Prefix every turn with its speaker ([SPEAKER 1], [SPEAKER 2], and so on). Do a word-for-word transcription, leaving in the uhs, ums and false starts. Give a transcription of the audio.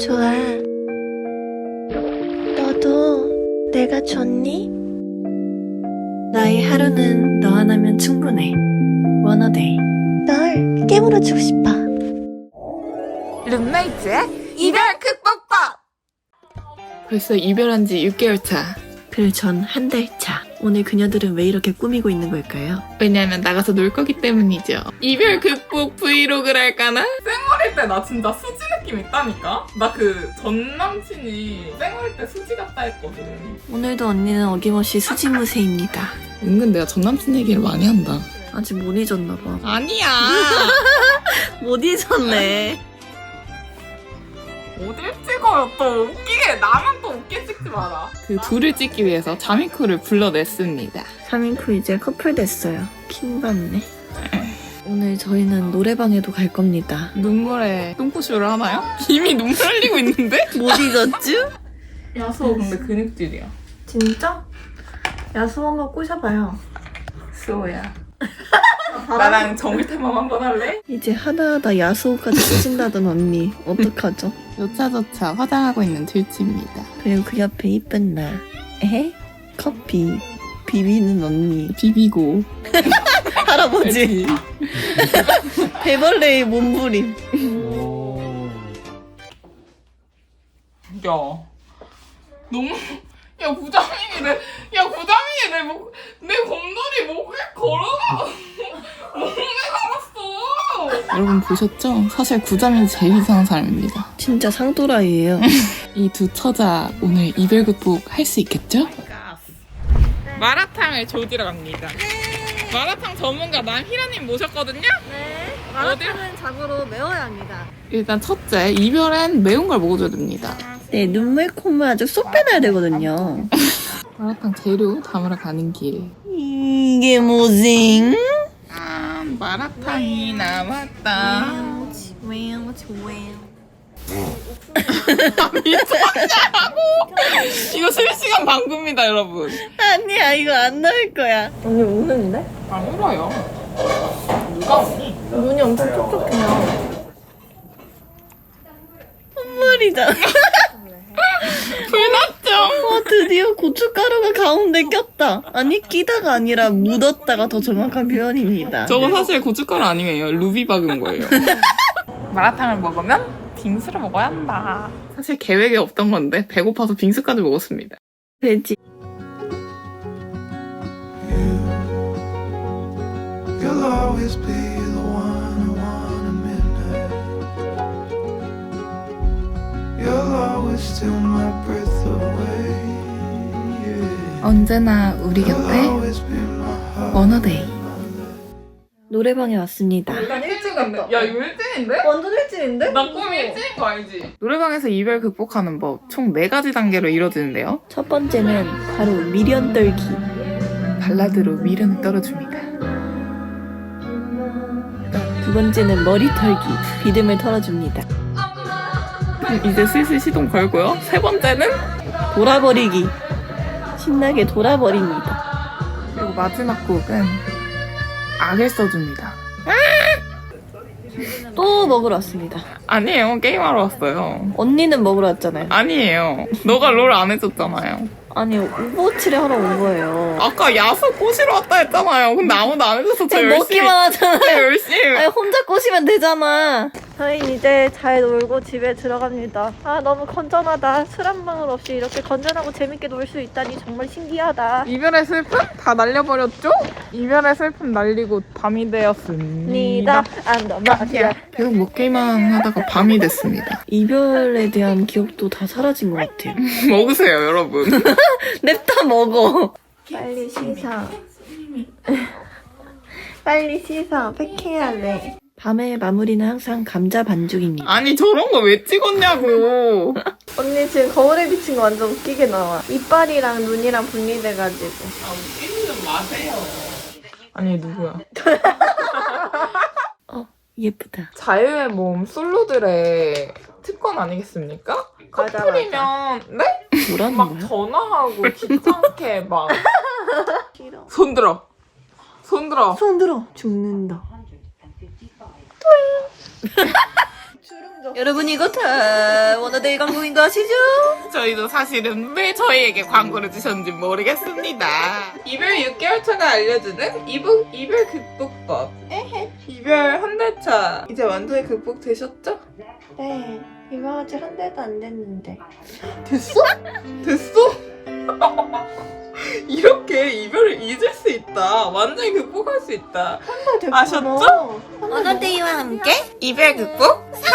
[SPEAKER 1] 좋아. 너도 내가 좋니? 나의 하루는 너 하나면 충분해. 원어데이. 널 깨물어주고 싶어.
[SPEAKER 2] 룸메이트의 이별 극복법!
[SPEAKER 3] 벌써 이별한 지 육 개월 차.
[SPEAKER 1] 그리고 전 한 달 차. 오늘 그녀들은 왜 이렇게 꾸미고 있는 걸까요?
[SPEAKER 3] 왜냐면 나가서 놀 거기 때문이죠. 이별 극복 브이로그를 할까나?
[SPEAKER 2] 쌩얼일 때 나 진짜 수지 느낌 있다니까? 나 그 전 남친이 쌩얼일 때 수지 같다 했거든.
[SPEAKER 1] 오늘도 언니는 어김없이 수지무새입니다.
[SPEAKER 3] 은근 내가 전 남친 얘기를 많이 한다.
[SPEAKER 1] 아직 못 잊었나봐.
[SPEAKER 3] 아니야.
[SPEAKER 1] 못 잊었네.
[SPEAKER 2] 어딜 찍어요 또. 웃기게 나만 또 웃게 찍지 마라.
[SPEAKER 3] 그 둘을 찍기 위해서 자미쿠를 불러냈습니다.
[SPEAKER 1] 삼 인 후 이제 커플 됐어요. 킹받네. 오늘 저희는 노래방에도 갈 겁니다.
[SPEAKER 3] 눈물에 똥꼬쇼를 하나요? 이미 눈물 흘리고 있는데?
[SPEAKER 1] 못 잊었쥬?
[SPEAKER 2] 야수 근데 근육질이야.
[SPEAKER 1] 진짜? 야수 한번 꼬셔봐요.
[SPEAKER 2] 수호야. 나랑 정글 탐험 한번 할래?
[SPEAKER 1] 이제 하나하나 야수까지 쓰신다던 언니 어떡하죠?
[SPEAKER 3] 요차저차 화장하고 있는 들치입니다.
[SPEAKER 1] 그리고 그 옆에 이쁜 나. 에헤? 커피 비비는 언니.
[SPEAKER 3] 비비고.
[SPEAKER 1] 할아버지. 배벌레의 몸부림.
[SPEAKER 2] 야 너무 야 부장님이 내 야 부장님이 내 목 내 곰돌이 목에 걸어가 목에 걸었어.
[SPEAKER 3] 여러분 보셨죠? 사실 구자민이 제일 이상한 사람입니다.
[SPEAKER 1] 진짜 상도라이에요.
[SPEAKER 3] 이 두 처자 오늘 이별 극복 할 수 있겠죠? 마라탕을 조지러 갑니다. 마라탕 전문가 남희라님 모셨거든요?
[SPEAKER 1] 네.
[SPEAKER 3] 마라탕은
[SPEAKER 1] 자고로 매워야 합니다.
[SPEAKER 3] 일단 첫째, 이별엔 매운 걸 먹어줘야 됩니다.
[SPEAKER 1] 네, 눈물 콧물 아주 쏙 빼놔야 되거든요.
[SPEAKER 3] 마라탕 재료 담으러 가는 길.
[SPEAKER 1] 이게 뭐지?
[SPEAKER 3] 아, 마라탕이 남았다. 미쳤냐고! 이거 실시간 방구입니다, 여러분.
[SPEAKER 1] 아니야, 이거 안 넣을 거야. 언니 우는데?
[SPEAKER 2] 안 울어요. 누가 웃니?
[SPEAKER 1] 눈이 엄청 촉촉해요. 콧물이잖아.
[SPEAKER 3] 불났죠?
[SPEAKER 1] 어, 드디어 고춧가루가 가운데 꼈다. 아니, 끼다가 아니라 묻었다가 더 정확한 표현입니다.
[SPEAKER 3] 저거 사실 고춧가루 아니에요. 루비 박은 거예요.
[SPEAKER 2] 마라탕을 먹으면 빙수를 먹어야 한다.
[SPEAKER 3] 사실 계획에 없던 건데 배고파서 빙수까지 먹었습니다.
[SPEAKER 1] 돼지.
[SPEAKER 4] You'll always be the one I want at midnight. You'll always steal my breath away. Yeah.
[SPEAKER 3] 언제나 우리
[SPEAKER 4] You'll
[SPEAKER 3] 곁에
[SPEAKER 4] always be my heart.
[SPEAKER 3] 원어데이.
[SPEAKER 1] 노래방에 왔습니다.
[SPEAKER 2] 일단 일찍 갔다. 야 이거 일진인데?
[SPEAKER 1] 완전 일진인데?
[SPEAKER 2] 나 꿈이 일진인 거 알지?
[SPEAKER 3] 노래방에서 이별 극복하는 법 총 네 가지 단계로 이뤄지는데요.
[SPEAKER 1] 첫 번째는 바로 미련 떨기.
[SPEAKER 3] 발라드로 미련을 떨어줍니다.
[SPEAKER 1] 두 번째는 머리 털기. 비듬을 털어줍니다.
[SPEAKER 3] 이제 슬슬 시동 걸고요. 세 번째는
[SPEAKER 1] 돌아버리기. 신나게 돌아버립니다.
[SPEAKER 3] 그리고 마지막 곡은 악을 써줍니다.
[SPEAKER 1] 또 먹으러 왔습니다.
[SPEAKER 3] 아니에요. 게임하러 왔어요.
[SPEAKER 1] 언니는 먹으러 왔잖아요.
[SPEAKER 3] 아니에요. 너가 롤 안 해줬잖아요.
[SPEAKER 1] 아니, 오버워치를 하러 온 거예요.
[SPEAKER 3] 아까 야수 꼬시러 왔다 했잖아요. 근데 아무도 안 해줘서 저
[SPEAKER 1] 그냥
[SPEAKER 3] 열심히
[SPEAKER 1] 먹기만 하잖아.
[SPEAKER 3] 저 열심히
[SPEAKER 1] 아니, 혼자 꼬시면 되잖아. 저희 이제 잘 놀고 집에 들어갑니다. 아, 너무 건전하다. 술 한 방울 없이 이렇게 건전하고 재밌게 놀 수 있다니 정말 신기하다.
[SPEAKER 3] 이별의 슬픔 다 날려버렸죠? 이별의 슬픔 날리고 밤이 되었습니다.
[SPEAKER 1] 니다 안더마디아.
[SPEAKER 3] 계속 먹기만 하다가 밤이 됐습니다.
[SPEAKER 1] 이별에 대한 기억도 다 사라진 것 같아요.
[SPEAKER 3] 먹으세요, 여러분.
[SPEAKER 1] 냅다 먹어. 빨리 씻어. 빨리 씻어. 팩해야 돼. 밤의 마무리는 항상 감자 반죽입니다.
[SPEAKER 3] 아니, 저런 거 왜 찍었냐고.
[SPEAKER 1] 언니 지금 거울에 비친 거 완전 웃기게 나와. 이빨이랑 눈이랑 분리돼가지고.
[SPEAKER 3] 아, 웃기지 좀 마세요. 아니, 누구야?
[SPEAKER 1] 어, 예쁘다.
[SPEAKER 2] 자유의 몸 솔로들의 특권 아니겠습니까?
[SPEAKER 1] 맞아,
[SPEAKER 2] 커플이면 네?
[SPEAKER 1] 뭐라는
[SPEAKER 2] 막
[SPEAKER 1] 거야?
[SPEAKER 2] 전화하고 귀찮게 막
[SPEAKER 1] 싫어.
[SPEAKER 2] 손 들어 손 들어
[SPEAKER 1] 손 들어. 죽는다. 주름져. 여러분 이거 다 워너데이 광고인 거 아시죠?
[SPEAKER 3] 저희도 사실은 왜 저희에게 광고를 주셨는지 모르겠습니다. 이별 육 개월 차가 알려주는 이북, 이별 극복법. 에헤. 이별 한 달 차. 이제 완전히 극복되셨죠?
[SPEAKER 1] 네. 이거 아직 한 달도 안 됐는데.
[SPEAKER 3] 됐어? 됐어? 이렇게 이별을 잊을 수 있다. 완전히 극복할 수 있다.
[SPEAKER 1] 한 달 됐구나.
[SPEAKER 3] 아셨죠?
[SPEAKER 1] 워너데이와 함께
[SPEAKER 3] 이별 극복